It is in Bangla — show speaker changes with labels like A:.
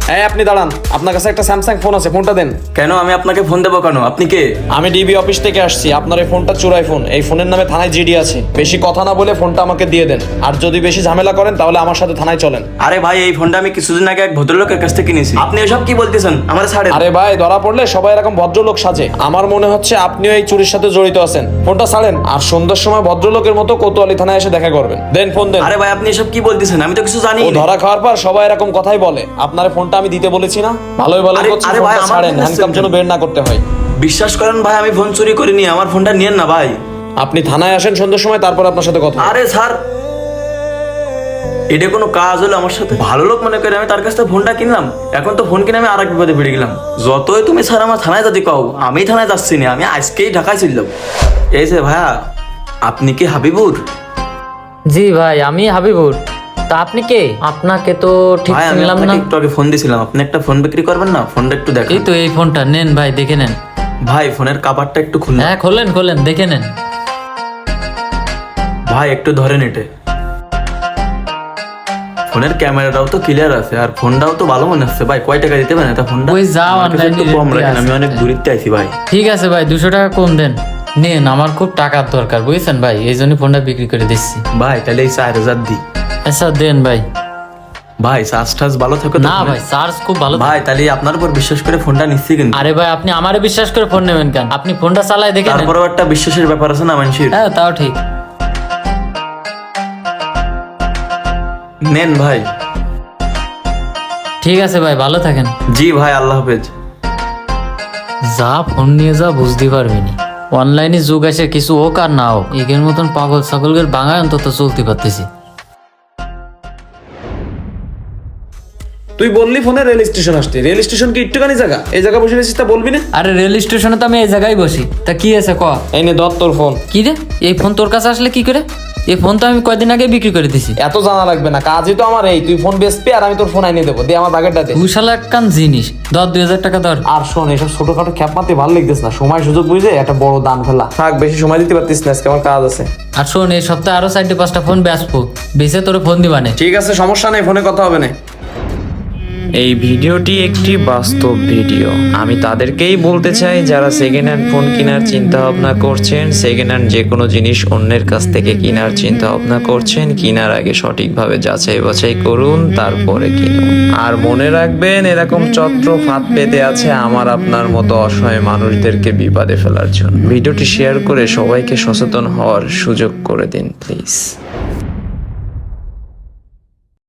A: এই আপনি দাঁড়ান, আপনার কাছে একটা স্যামসাং ফোন আছে, ফোনটা দেন।
B: কেন আমি আপনাকে ফোন দেবো কেন? আপনি কে?
A: আমি ডিবি অফিস থেকে আসছি। আপনার এই ফোনটা চোরাই ফোন, এই ফোনের নামে থানায় জিডি আছে। বেশি কথা না বলে ফোনটা আমাকে দিয়ে দেন, আর যদি বেশি ঝামেলা করেন তাহলে আমার সাথে থানায় চলেন।
B: আরে ভাই, এই ফোনটা আমি কিছুদিন আগে এক ভদ্রলোকের কাছ থেকে কিনেছি। আপনি এসব কি বলতেছেন? আমার ছাড়েন।
A: আরে ভাই, ধরা পড়লে সবাই এরকম ভদ্রলোক সাজে। আমার মনে হচ্ছে আপনিও এই চুরির সাথে জড়িত আছেন। ফোনটা ছাড়েন, আর সন্ধ্যার সময় ভদ্রলোকের মতো কোতোয়ালি থানায় এসে দেখা করবেন। দেন ফোন দেন।
B: আরে ভাই, আপনি এসব কি বলতেছেন? আমি তো কিছু জানি
A: ও
B: না।
A: ধরা খাওয়ার পর সবাই এরকম কথাই বলে। আপনার ফোনটা আমি দিতে বলেছি না? ভালোই ভালো করছি,
B: আরে ভাই,
A: ফোনটা
B: আমার
A: ছাড়েন,
B: ফোন
A: হ্যান্ডকাম যেন বের না করতে হয়।
B: বিশ্বাস করেন ভাই, আমি ফোন চুরি করিনি। আমার ফোনটা নিয়েন না ভাই।
A: আপনি থানায় আসেন সন্ধ্যার সময়, তারপর আপনার সাথে কথা হবে।
B: আরে স্যার, এটা কোনো কাজ হলো আমার সাথে? ভালো লোক মনে করে আমি তার কাছ থেকে ফোনটা কিনলাম, এখন তো ফোন কিনে আমি আরেক বিপদে পড়ে গেলাম। যতই তুমি স্যার আমার থানায় যদি কও, আমি থানায় যাচ্ছি না, আমি আজকেই ঢাকায় ছিলাম। এই যে ভাইয়া, আপনি কি হাবিবুর?
C: জি ভাই, আমি হাবিবুর। তা আপনি কে? আপনাকে তো ঠিক
B: ভাই, আমি
C: চিনলাম না।
B: আপনাকে একটু আগে ফোন দিয়েছিলাম, আপনি একটা ফোন বিক্রি করবেন না? ফোনটা একটু
C: এই
B: দেখেন
C: তো এই ফোনটা নেন ভাই, দেখে নেন।
B: ভাই। ফোনের কাভারটা একটু খুলুন
C: হ্যাঁ, খোলেন খোলেন, দেখে নেন।
B: ভাই, একটু ধরেন এটা। ফোনের ক্যামেরাটাও তো ক্লিয়ার আছে, আর ফোনটাও তো ভালো মনে হচ্ছে। ভাই, কয় টাকা দিতে পারেন এটা ফোনটা?
C: ওই যাও,
B: আমার কাছে একটু
C: online
B: কম
C: rate
B: রাখেন, আমি
C: আছে।
B: অনেক দূরিতে আইছি ভাই।
C: ঠিক আছে ভাই, 200 টাকা কম দেন। নেন, আমার খুব টাকার দরকার বুঝছেন ভাই, এই জন্য ফোনটা বিক্রি করে দিচ্ছি।
B: ভাই, তাহলে এই 4000 দিই।
C: আচ্ছা দেন ভাই।
B: ভাই, চার্জ টার্জ ভালো থাকে তো
C: না
B: ফোনে?
C: ভাই, চার্জ খুব ভালো।
B: ভাই, তাহলে আপনার উপর বিশ্বাস করে ফোনটা নিচ্ছি, কিন্তু
C: আরে ভাই, আপনি আমারে বিশ্বাস করে ফোন নেবেন কেন? আপনি ফোনটা চালায় দেখে নেন।
B: তারপরেও একটা বিশ্বাসের ব্যাপার আছে না মানুষের।
C: হ্যাঁ, তাও ঠিক।
B: নেন ভাই।
C: ঠিক আছে ভাই, ভালো থাকেন।
B: জি ভাই, আল্লাহ হাফেজ।
C: যা ফোন নিয়ে যা বুঝতে পারবি নি। অনলাইনে যুগ আসে, কিছু হোক আর না হোক, এগের মতন পাগল ছাগলের বাঙায় অন্তত চলতে পারতেছি।
A: তুই বললি ফোনে রেল স্টেশন আসতে, রেল স্টেশন কি একটুখানি জায়গা? এই জায়গা বসে রেছিস তা বলবি না?
C: আরে রেল স্টেশনে তো আমি এই জায়গায় বসি, তা কি আছে ক?
A: এই নে ধর তোর ফোন।
C: কি রে, এই ফোন তোর কাছে আসলে কি করে? এই ফোন তো আমি কয়দিন আগে বিক্রি করে দিছি।
A: এত জানা লাগবে না, কাজই তো আমার এই। তুই ফোন বেচবি আর আমি তোর ফোন আইনে দেবো। দিয়ে আমার বাগেরটা দে।
C: তুই শালা একখান জিনিস, ধর 2000 টাকা ধর।
A: আর শোন, এসব ছোটখাটো খ্যাপ মারতে ভালো লাগতেছ না। সময় সুযোগ বুঝে একটা বড় দান ফেলা। থাক, বেশি সময় দিতে পারতিস না, আজকে আমার কাজ আছে।
C: আর শোন, এই সপ্তাহে আরো 4-5টা ফোন বেচবো, বেচে তোরে ফোন দিবানে।
A: ঠিক আছে, সমস্যা নেই, ফোনে কথা হবে না। এই ভিডিওটি একটি বাস্তব ভিডিও। আমি তাদেরকেই বলতে চাই যারা সেকেন্ড হ্যান্ড ফোন কেনার চিন্তা ভাবনা করছেন, সেকেন্ড হ্যান্ড যে কোনো জিনিস অন্যের কাছ থেকে কেনার চিন্তা ভাবনা করছেন, কেনার আগে সঠিকভাবে যাচাই বাছাই করুন, তারপরে কিনুন। আর মনে রাখবেন, এরকম চত্র ফাঁদ পেতে আছে আমার আপনার মতো অসহায় মানুষদেরকে বিপদে ফেলার জন্য। ভিডিওটি শেয়ার করে সবাইকে সচেতন হওয়ার সুযোগ করে দিন প্লিজ।